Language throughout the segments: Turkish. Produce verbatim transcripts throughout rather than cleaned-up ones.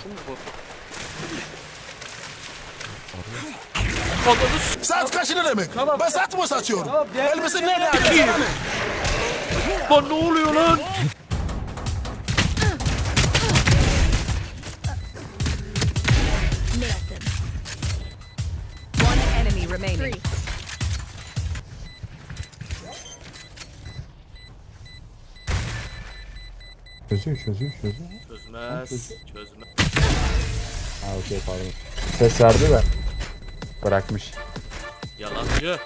Vurdun mu bu? Saat kaç ne demek? Tamam. Ben saat mi satıyorum? Tamam, diğer- Elbise nerede abi? Lan ne oluyor lan? Nailed them. One enemy remaining. Çözüyor çözüyor çözüyor. Çözmez. Çözmez. Ha okey pardon. Ses verdi de. Bırakmış. Yalancı.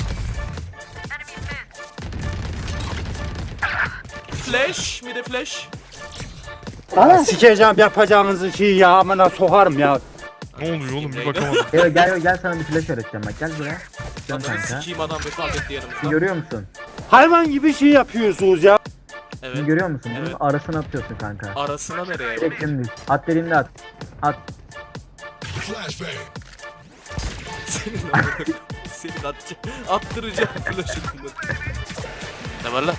Flash. Bir de flash. Sikeceğim yapacağınızı şeyi ya amına sokarım ya. Ne oluyor oğlum bir bakamadım. Gel gel gel sana bir flash öğreteceğim bak gel buraya. Dön Ananı kanka. sikiyim adam vefat etti yanımızda. Görüyor musun? Hayvan gibi şey yapıyorsunuz ya. Bunu Evet. görüyor musun? Bunun Evet. arasına atıyorsun kanka. Arasına nereye? Direkt dümdüz. At dediğimde at. At. Flashbang. Senin amına- Senin atacağım. Attıracağım flash'ı bunu. Ne var lan?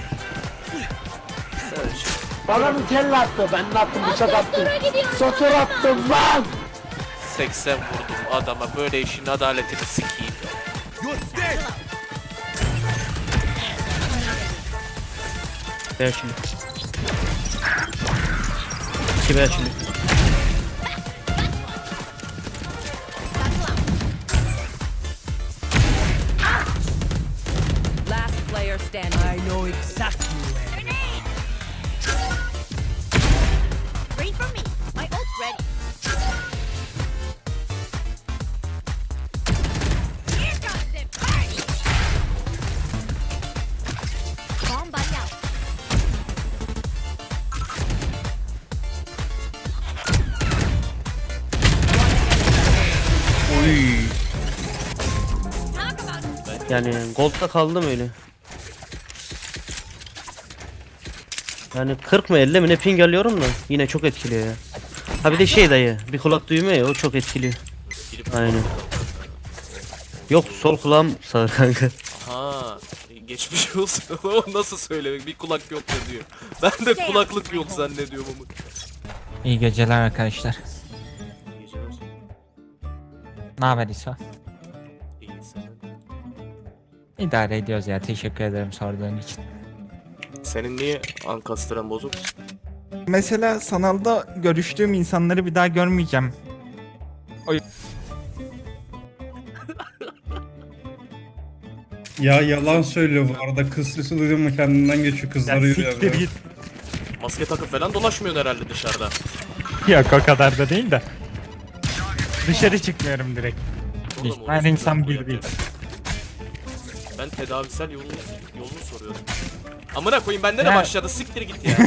Flash. Bana bir kelle attı. Ben de attım bıçak attım. Sotur attım lan. seksen vurdum adama. Böyle işin adaletini sikeyim. You're dead. Ver şimdi. İki ver şimdi. Last player standing. I know exactly where. Wait for me. My ult's ready. Here comes the party. Bomb buddy out. Oy. Talk about it. Yani gold'da kaldım öyle. Yani kırk mı elli mi ne ping alıyorum da yine çok etkiliyor ya. Ha bir de şey dayı bir kulak duymuyor ya o çok etkiliyor. Aynen. Yok sol kulağım sağ kanka. Ha, geçmiş olsun. O nasıl söylemek? Bir kulak yok ya diyor. Ben de kulaklık yok zannediyorum ama. İyi geceler arkadaşlar. Geceler. Ne haber İsa? İyi senin. İdare ediyoruz ya. Teşekkür ederim sorduğun için. Senin niye ankastren bozuk? Mesela sanalda görüştüğüm insanları bir daha görmeyeceğim. Ya yalan söylüyor bu arada. Kız sesi duydun mu kendinden geçiyor. Kızlar yürüyor. siktir ya. git. Maske takıp falan dolaşmıyorsun herhalde dışarıda. Yok o kadar da değil de. Dışarı çıkmıyorum direkt. Oğlum, Her orası insan bu bir ya. değil. Ben tedavisel yolunu, yolunu soruyorum. Amına koyayım bende de Ya. başladı siktir git ya.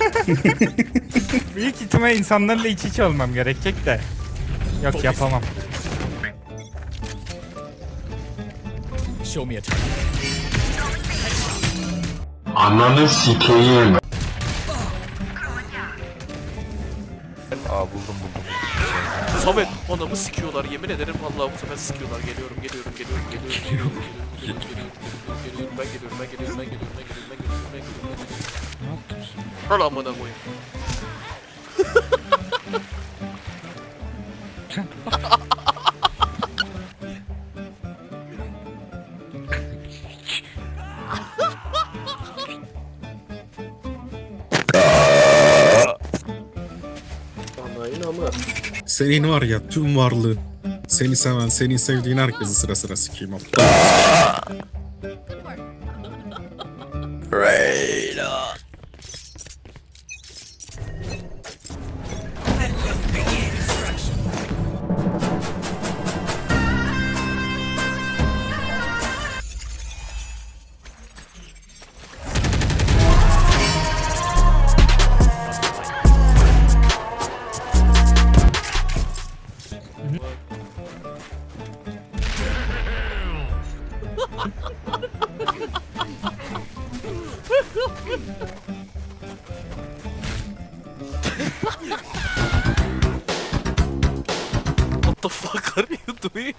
Büyük ihtimal insanlarla iç içe olmam gerekecek de. Yok Çok yapamam. Ananı sikeyim. Aa buldum buldum. Samet anamı sikiyorlar yemin ederim vallahi bu sefer sikiyorlar. Geliyorum geliyorum geliyorum geliyorum geliyorum geliyorum geliyorum geliyorum ben geliyorum ben geliyorum ben geliyorum ben geliyorum ben geliyorum ben geliyorum ben geliyorum. Ne yapıyorsun? Al amına koyayım. Anayın ama. Senin var ya tüm varlığın. Seni seven, seni sevdiğin herkesi sıra sıra sikeyim. What the fuck are you doing?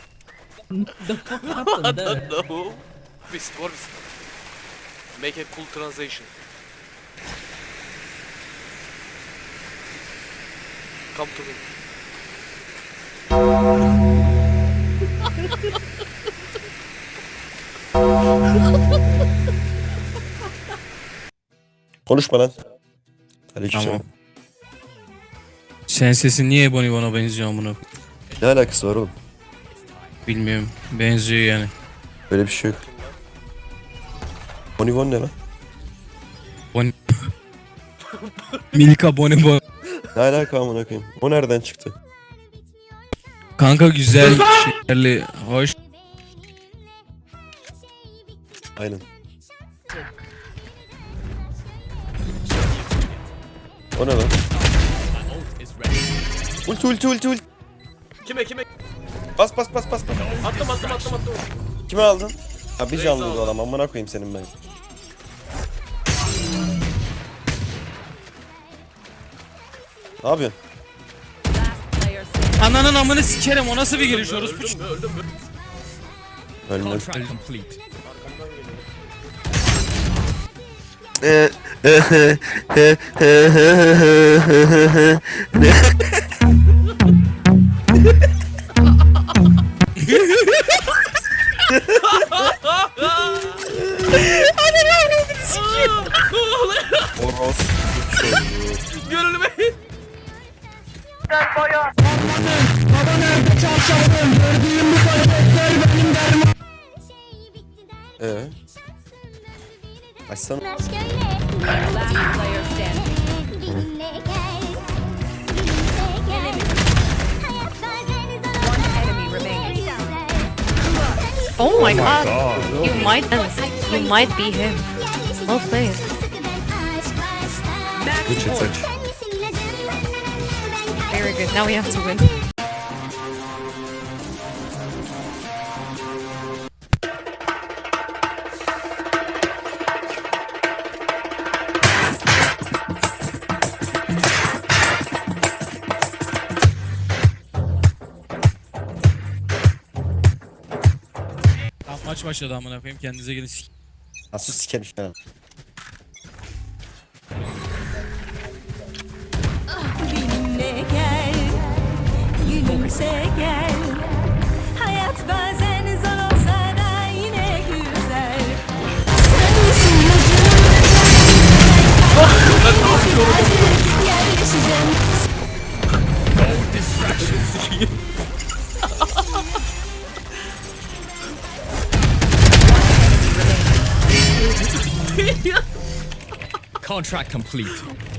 I don't know. Whisk, what whisk? Make a cool translation. Welcome to me. Konuşma lan. Aleykümselam. Tamam. Sen sesin niye Bonnie bana benziyor amına? Ne alakası var oğlum? Bilmiyorum. Benziyor yani. Böyle bir şey yok. Bonibon ne lan? Bonnie. Milka Bonibon. Ne alaka amına koyayım? O nereden çıktı? Kanka güzel, şekerli, hoş. Aynen. O ne lan? Ulti ulti ulti ulti. Kime kime? Bas bas bas bas bas. Attım attım attım attım. Kime aldın? Ha bir canlıydı o adam, amına koyayım senin ben. Ne yapıyorsun? Player standing. Ananın amını sikerim, o nasıl bir giriş orospu? Öldüm mü öldüm mü? Ölmüyor. Complete. Oros. Gönlüme. Ee. Açsana. Last player standing. One enemy remaining. Oh my god. You might you might be him. Well played. Seç seç. Very good. Now we have to win. Tamam, maç başladı amına koyayım, kendinize gelin. sik- Nasıl sikemiş ben? Benimle gel, gülümse gel. Hayat bazen zor olsa da yine güzel. Sensin yerleşeceğim. Contract complete.